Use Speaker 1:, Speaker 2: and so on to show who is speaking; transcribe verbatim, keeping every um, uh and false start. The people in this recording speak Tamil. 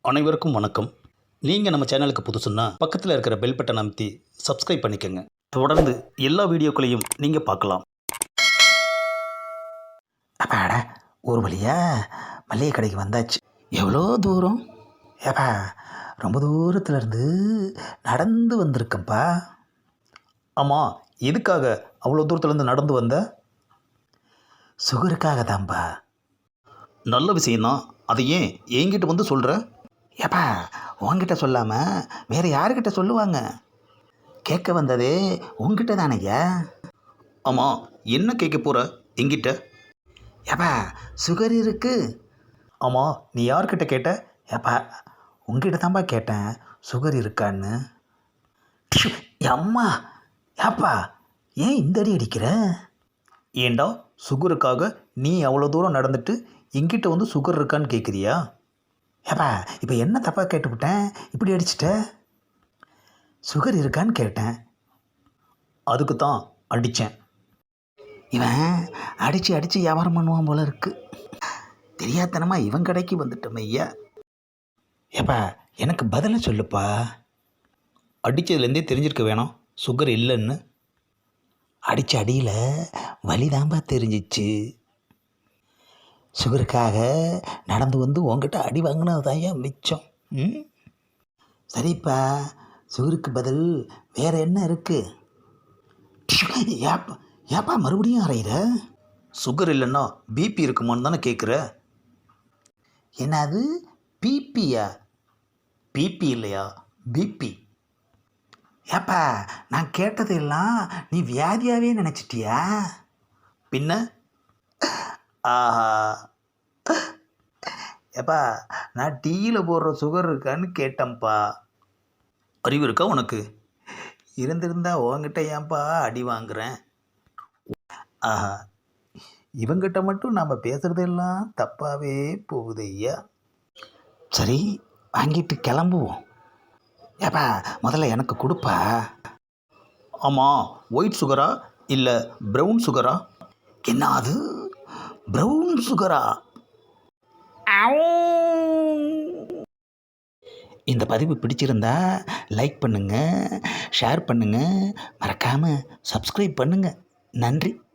Speaker 1: அனைவருக்கும் வணக்கம். நீங்கள் நம்ம சேனலுக்கு புதுசுன்னா பக்கத்தில் இருக்கிற பெல் பட்டனை அமைத்தி சப்ஸ்கிரைப் பண்ணிக்கோங்க. தொடர்ந்து எல்லா வீடியோக்களையும் நீங்கள் பார்க்கலாம்.
Speaker 2: அப்பாடா, ஒரு வழியா மளிகை கடைக்கு வந்தாச்சு. எவ்வளோ தூரம்? ஏப்பா, ரொம்ப தூரத்துல இருந்து நடந்து வந்திருக்கேன்ப்பா.
Speaker 1: ஆமாம், எதுக்காக அவ்வளோ தூரத்துலேருந்து நடந்து வந்த?
Speaker 2: சுகருக்காக தான்ப்பா.
Speaker 1: நல்ல விஷயந்தான். அதை ஏன் என்கிட்ட வந்து சொல்கிற?
Speaker 2: ஏப்பா, உன்கிட்ட சொல்லாமல் வேறு யாருக்கிட்ட சொல்லுவாங்க? கேட்க வந்ததே உங்ககிட்ட தானேய்யா.
Speaker 1: ஆமாம், என்ன கேட்க போகிற என்கிட்ட?
Speaker 2: ஏப்பா, சுகர் இருக்கு.
Speaker 1: ஆமாம், நீ யார்கிட்ட கேட்ட?
Speaker 2: ஏப்பா, உங்ககிட்ட தான்ப்பா கேட்டேன், சுகர் இருக்கான்னு. ஷு, அம்மா, ஏப்பா ஏன் இந்த அடி அடிக்கிற?
Speaker 1: ஏண்டா, சுகருக்காக நீ அவ்வளோ தூரம் நடந்துட்டு என்கிட்ட வந்து சுகர் இருக்கான்னு கேட்குறியா?
Speaker 2: ஏப்பா, இப்போ என்ன தப்பாக கேட்டுவிட்டேன், இப்படி அடிச்சிட்ட? சுகர் இருக்கான்னு கேட்டேன்.
Speaker 1: அதுக்கு தான் அடித்தேன்.
Speaker 2: இவன் அடித்து அடித்து வியாபாரம் பண்ணுவான் போல இருக்கு. தெரியாதனமாக இவன் கடைக்கு வந்துட்டோம் ஐயா. ஏப்பா, எனக்கு பதிலை சொல்லுப்பா.
Speaker 1: அடித்ததுலேருந்தே தெரிஞ்சிருக்க வேணாம் சுகர் இல்லைன்னு.
Speaker 2: அடித்த அடியில் வலிதாம்பா தெரிஞ்சிச்சு. சுகருக்காக நடந்து வந்து உங்ககிட்ட அடி வாங்கினது தான் ஏன் மிச்சம். ம், சரிப்பா, சுகருக்கு பதில் வேறு என்ன இருக்குது? ஏப்பா ஏப்பா மறுபடியும் அறையிற?
Speaker 1: சுகர் இல்லைன்னா பிபி இருக்குமான்னு தானே கேட்குற?
Speaker 2: என்னது, பிபியா?
Speaker 1: பிபி இல்லையா, பிபி.
Speaker 2: ஏப்பா, நான் கேட்டதெல்லாம் நீ வியாதியாகவே நினச்சிட்டியா?
Speaker 1: பின்ன? ஆஹா,
Speaker 2: ஏப்பா, நான் டீயில் போடுற சுகர் இருக்கான்னு கேட்டேன்ப்பா.
Speaker 1: அறிவு இருக்கா உனக்கு?
Speaker 2: இருந்திருந்தா உங்ககிட்ட ஏன்ப்பா அடி வாங்குறேன்?
Speaker 1: ஆஹா,
Speaker 2: இவங்கிட்ட மட்டும் நாம் பேசுகிறதெல்லாம் தப்பாகவே போகுது ஐயா. சரி, வாங்கிட்டு கிளம்புவோம். ஏப்பா, முதல்ல எனக்கு கொடுப்பா.
Speaker 1: ஆமாம், ஒயிட் சுகரா இல்லை ப்ரௌன் சுகரா?
Speaker 2: என்ன அது, ப்ரௌன் சுகரா? இந்த பதிவு பிடிச்சிருந்தா லைக் பண்ணுங்கள், ஷேர் பண்ணுங்கள், மறக்காமல் சப்ஸ்கிரைப் பண்ணுங்கள். நன்றி.